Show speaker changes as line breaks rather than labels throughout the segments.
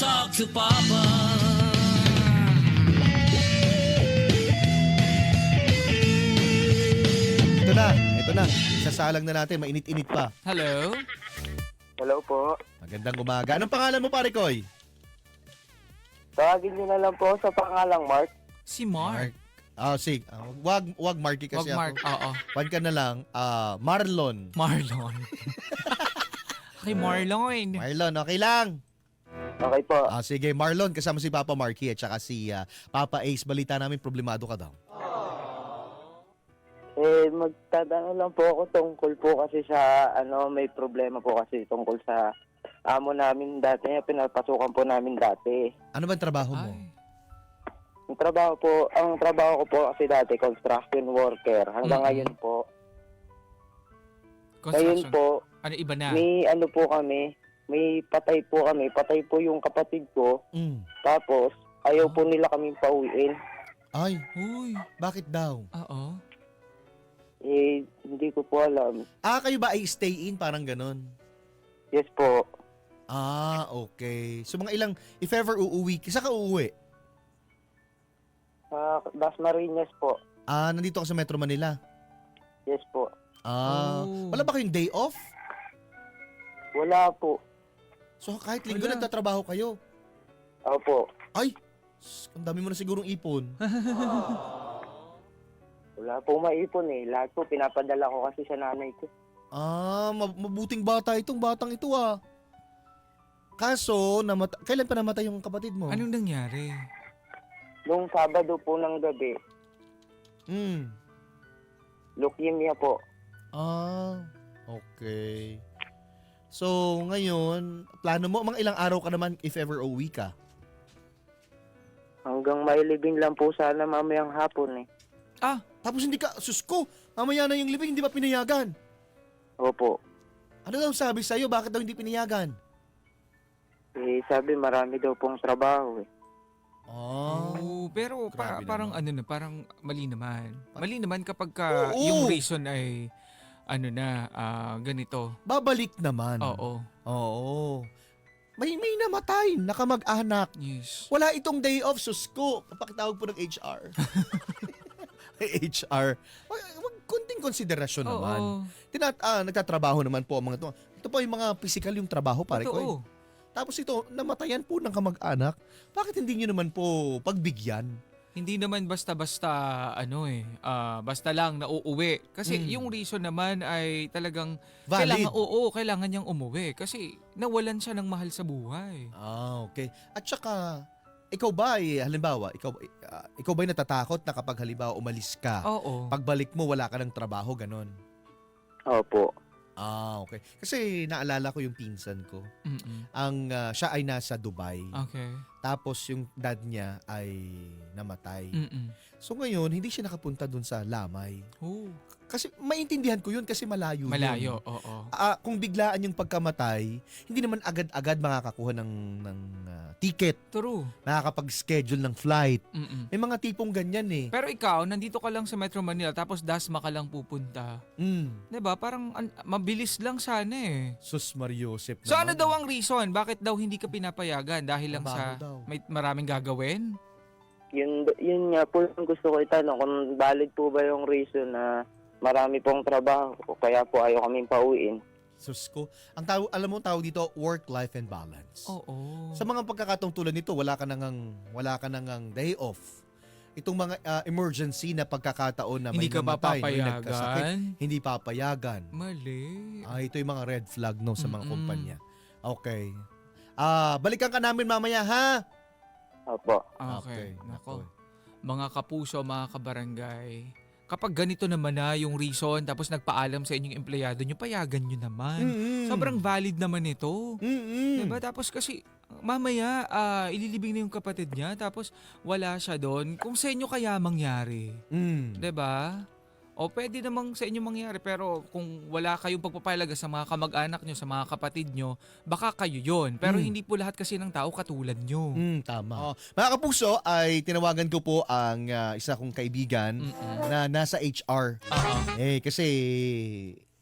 talk to Papa.
Ito na. Isasalang na natin, mainit-init pa.
Hello?
Hello po.
Magandang umaga. Anong pangalan mo, pare Koy?
Tawagin niyo na lang po sa pangalang Mark.
Si Mark.
Sige. Wag Marky
Wag
kasi
Mark.
ako.
Oo.
Wan ka na lang. Marlon.
Marlon. Kay Marlon.
Marlon, okay lang.
Okay po.
Sige, Marlon, kasama si Papa Marky at saka si Papa Ace. Balita namin, problemado ka daw.
Magtatanong lang po ako tungkol po kasi sa, may problema po kasi tungkol sa amo namin dati. Pinapasukan po namin dati.
Ano ba ang trabaho mo?
Ay.
Ang trabaho ko po kasi dati, construction worker. Hanggang ngayon po. Ngayon
Construction.
po,
Ano iba na?
may po kami, may patay po kami. Patay po yung kapatid ko. Tapos, ayaw po nila kaming pauwiin.
Ay,
Uy.
bakit daw?
Oo.
Hindi ko po alam.
Kayo ba ay stay in? Parang ganun.
Yes po.
Okay. So mga ilang, if ever uuwi, isa ka uuwi?
Dasmariñas po.
Nandito ka sa Metro Manila?
Yes po.
Wala ba kayong day off?
Wala po.
So kahit linggo
Wala.
nagtatrabaho kayo?
Opo.
Ay, ang dami mo na sigurong ipon.
Wala po maipon eh. Lahat po pinapadala ko kasi sa nanay ko.
Mabuting bata itong batang ito Kaso, kailan pa namatay yung kapatid mo?
Anong nangyari?
Nung Sabado po ng gabi, leukemia po.
Okay. So, ngayon, plano mo, mga ilang araw ka naman if ever uuwi ka?
Hanggang mailibing lang po sana mamayang hapon eh.
Tapos hindi ka, sus ko, mamaya na yung libing, hindi ba pinayagan?
Opo.
Ano daw sabi sa'yo? Bakit daw hindi pinayagan?
Sabi marami daw pong trabaho eh.
Pero
Grabe
parang
naman.
parang mali naman. Mali naman kapag ka yung reason ay ganito.
Babalik naman.
Oo.
May namatay, nakamag-anak.
Yes.
Wala itong day off, sus ko. Pakitawag po ng HR. HR. Wag kunting konsiderasyon naman. Nagtatrabaho naman po ang mga ito. Ito po yung mga physical yung trabaho, pare ko.
Totoo.
Tapos ito, namatayan po ng kamag-anak. Bakit hindi nyo naman po pagbigyan?
Hindi naman basta-basta basta lang na uuwi. Kasi yung reason naman ay talagang
Valid.
kailangan niyang umuwi kasi nawalan siya ng mahal sa buhay.
Okay. At saka, ikaw ba halimbawa, ikaw ba natatakot na kapag halimbawa umalis ka,
Oo.
pagbalik mo wala ka ng trabaho, ganon?
Opo.
Okay. Kasi naalala ko yung pinsan ko. Siya ay nasa Dubai.
Okay.
Tapos yung dad niya ay namatay. So ngayon, hindi siya nakapunta dun sa Lamay. Kasi maintindihan ko yun kasi malayo yun.
Malayo, oo.
Kung biglaan yung pagkamatay, hindi naman agad-agad makakakuha ng ticket.
True.
Nakakapag-schedule ng flight. May mga tipong ganyan eh.
Pero ikaw, nandito ka lang sa Metro Manila tapos Dasma ka lang pupunta. 'Di ba? Parang mabilis lang sana eh.
Sus Mariosep naman.
So ano daw ang reason? Bakit daw hindi ka pinapayagan? Dahil lang
Trabaho
sa
daw.
may maraming gagawin?
Yun nga po yung gusto ko itanong kung valid po ba yung reason na marami pong trabaho kaya po ayaw kaming pauwiin.
Sus ko. Alam mo tawag dito, work-life and balance.
Oo.
Sa mga pagkakataong tulad nito, wala ka nang day off. Itong mga emergency na pagkakataon na may
Hindi ka ba
namatay, may nagkasakit,
papayagan?
hindi papayagan.
Mali.
Ito yung mga red flag no sa mga kumpanya. Okay. Balikan ka namin mamaya ha.
Opo.
Okay. Nako. Mga kapuso, mga kabarangay, kapag ganito naman na yung reason tapos nagpaalam sa inyong empleyado nyo, payagan nyo naman. Sobrang valid naman ito. Diba? Tapos kasi mamaya ililibing na yung kapatid niya tapos wala siya doon. Kung sa inyo kaya mangyari. Diba? O pwede namang sa inyo mangyari pero kung wala kayong pagpapahalaga sa mga kamag-anak nyo, sa mga kapatid nyo, baka kayo yon. Pero hindi po lahat kasi ng tao katulad nyo.
Tama. Mga kapuso, ay tinawagan ko po ang isa kong kaibigan na nasa HR. Kasi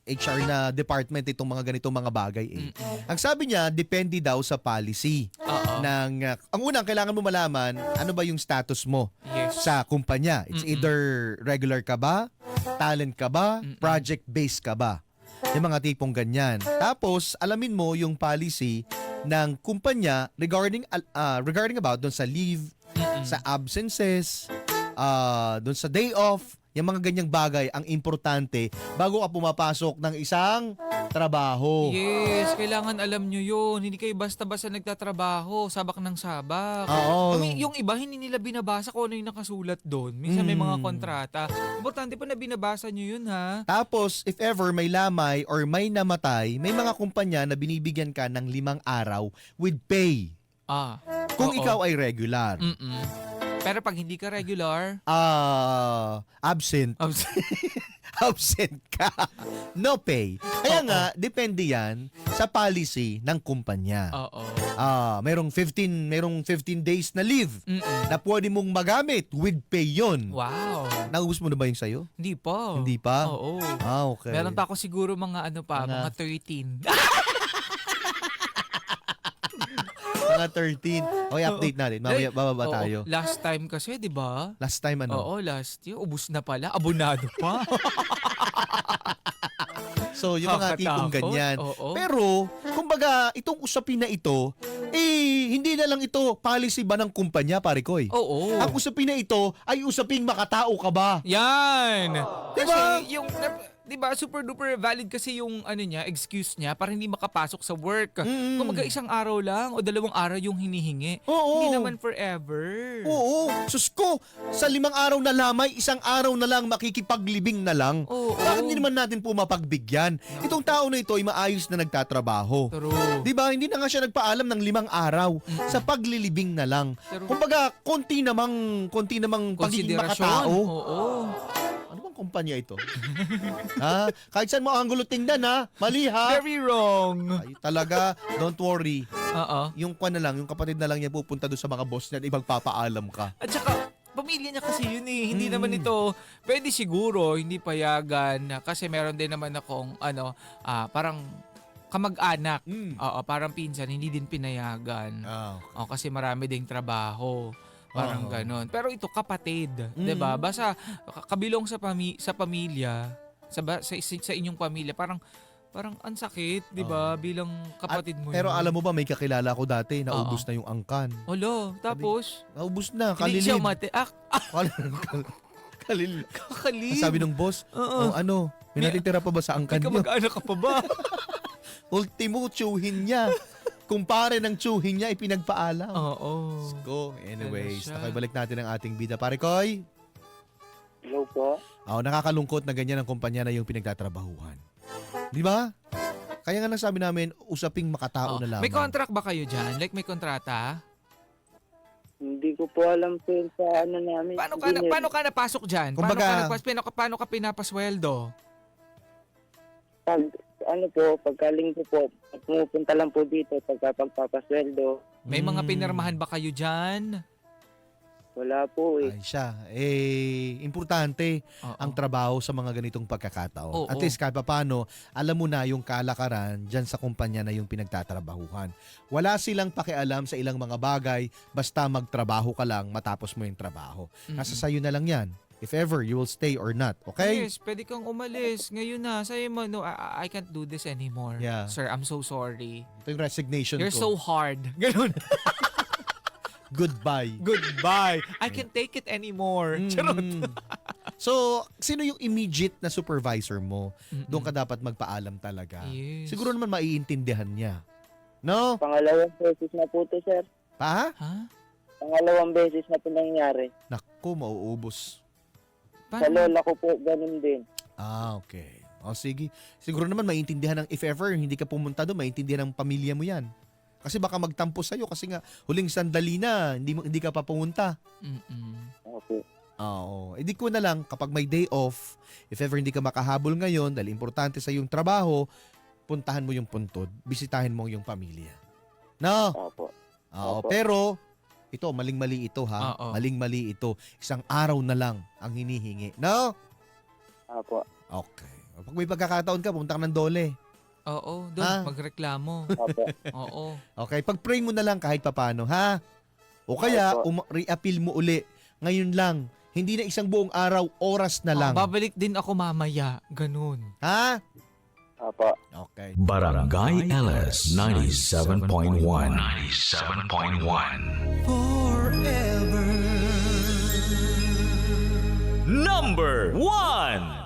HR na department itong mga ganitong mga bagay eh.
Mm-mm.
Ang sabi niya, depende daw sa policy
Oo.
ng ang unang kailangan mo malaman ano ba yung status mo
Yes.
sa kumpanya. It's
Mm-mm.
either regular ka ba, talent ka ba,
Mm-mm.
project-based ka ba. Yung mga tipong ganyan. Tapos, alamin mo yung policy ng kumpanya regarding about doon sa leave,
Mm-mm.
sa absences, doon sa day off, yung mga ganyang bagay ang importante bago ka pumapasok ng isang trabaho.
Yes, kailangan alam nyo yun. Hindi kayo basta-basta nagtatrabaho, sabak ng sabak.
Oo.
Yung iba, hindi nila binabasa kung ano yung nakasulat doon. Minsan may mga kontrata. Importante pa na binabasa nyo yun, ha?
Tapos, if ever may lamay or may namatay, may mga kumpanya na binibigyan ka ng 5 araw with pay. Kung
Oo.
ikaw ay regular.
Mm-mm. Pero pag hindi ka regular,
Absent. Absent ka. No pay. Kaya nga, depende yan sa policy ng kumpanya.
oo.
Merong 15 days na leave
Mm-mm.
na pwede mong magamit with pay yun.
Wow.
Naubos mo na ba yung sayo?
Hindi pa.
Hindi pa?
Oo.
Okay.
Meron pa ako siguro mga mga 13.
Mga 13. Okay, update natin. Mamaya bababa
Oo.
tayo.
Last time kasi, di ba?
Last time ano?
Oo, last year. Ubus na pala. Abonado pa.
So, yung mga tipong
Nakakatakot.
ganyan.
Oo.
Pero, kumbaga, itong usapin na ito, hindi na lang ito policy ba ng kumpanya, pare koy?
Oo.
Ang usapin na ito ay usaping makatao ka ba?
Yan.
Diba?
Kasi yung, di ba, super duper valid kasi yung excuse niya para hindi makapasok sa work.
Mm.
Kung isang araw lang o 2 araw yung hinihingi.
Oo.
Hindi naman forever.
Oo. Sus ko, sa 5 araw na lamay, 1 araw na lang makikipaglibing na lang.
Oo.
Bakit hindi naman natin po mapagbigyan? Itong tao na ito ay maayos na nagtatrabaho.
True.
Di ba? Hindi na nga siya nagpaalam ng 5 araw sa paglilibing na lang.
True.
Kumbaga, konti namang pagiging
Konsiderasyon.
makatao.
Oo.
Ano bang kumpanya ito? Ha? Kahit saan mo ang gulo tingnan ha? Mali ha?
Very wrong.
Ay, talaga, don't worry.
Oo.
Yung kapatid na lang niya pupunta doon sa mga boss niya at ibagpapaalam ka.
At saka, pamilya niya kasi yun eh. Hindi naman ito, pwede siguro, hindi payagan. Kasi meron din naman akong, parang kamag-anak. Oo, parang pinsan, hindi din pinayagan.
Okay.
O, kasi marami ding trabaho. Parang
Oo.
ganon. Pero ito, kapatid. 'Di ba? Basta, kabilong sa pamilya, sa inyong pamilya, parang ang sakit, 'di ba? Bilang kapatid mo
Pero
yun.
alam mo ba, may kakilala ko dati, naubos na yung angkan.
Olo, tapos,
Naubos na,
hindi siya
kalilib. Kalilib.
Kakalib.
Ang sabi ng boss,
Oo.
may natitira pa ba sa angkan
May
niyo?
kamag-anak ka pa ba?
Ultimo, tsuhin niya. Kumpare ng tsuhin niya, ipinagpaalam.
Oo.
Go. Anyways,
Ano siya?
nakibalik natin ang ating bida. Pare Koy,
Hello po.
nakakalungkot na ganyan ang kumpanya na yung pinagtatrabahuhan. Di ba? Kaya nga nasabi namin, usaping makatao
Oo.
na lamang.
May contract ba kayo dyan? Like may kontrata?
Hindi ko po alam po yun sa namin.
Paano ka napasok dyan?
Kumbaga-
Paano ka pinapasweldo?
Pagkalinggo po, pumupunta lang po dito pagpapasweldo.
May mga pinirmahan ba kayo dyan?
Wala po eh.
Ay siya. Importante
Oo.
ang trabaho sa mga ganitong pagkakataon.
Oo.
At least kahit paano, alam mo na yung kalakaran dyan sa kumpanya na yung pinagtatrabahuhan. Wala silang pakialam sa ilang mga bagay, basta magtrabaho ka lang matapos mo yung trabaho. Nasa sayo na lang yan. If ever, you will stay or not. Okay?
Yes, pwede kang umalis. Ngayon na, sa'yo mo, no, I can't do this anymore.
Yeah.
Sir, I'm so sorry.
Ito yung resignation
You're so
ko.
hard. Ganun.
Goodbye.
Goodbye. I can't take it anymore. Charot.
So, sino yung immediate na supervisor mo?
Mm-mm.
Doon ka dapat magpaalam talaga.
Yes.
Siguro naman maiintindihan niya. No?
Pangalawang beses na po to, sir.
Pa?
Ha?
Pangalawang beses na po nangyari.
Naku, mauubos.
Sa lola ko po, ganun din.
Okay. O sige. Siguro naman maiintindihan ng if ever hindi ka pumunta doon, maiintindihan ng pamilya mo yan. Kasi baka magtampo sa'yo kasi nga huling sandali na, hindi ka pa pumunta.
Mm-mm.
Okay.
Oo. Di ko na lang kapag may day off, if ever hindi ka makahabol ngayon dahil importante sa yung trabaho, puntahan mo yung puntod, bisitahin mo yung pamilya. No?
Opo.
Oo.
Opo.
Pero, ito, maling-mali ito ha.
Oo.
Maling-mali ito. 1 araw na lang ang hinihingi. No?
Opo.
Okay. Pag may pagkakataon ka, pumunta ka ng Dole.
Oo, doon,
Ah.
magreklamo.
Opo.
Oo.
Okay, pag-pray mo na lang kahit papano, ha? O kaya,
Opo.
re-appeal mo uli. Ngayon lang. Hindi na isang buong araw, oras na lang.
Babalik din ako mamaya. Ganun.
Ha?
Opo.
Okay.
Barangay LS 97.1. 97.1. Forever. Number 1.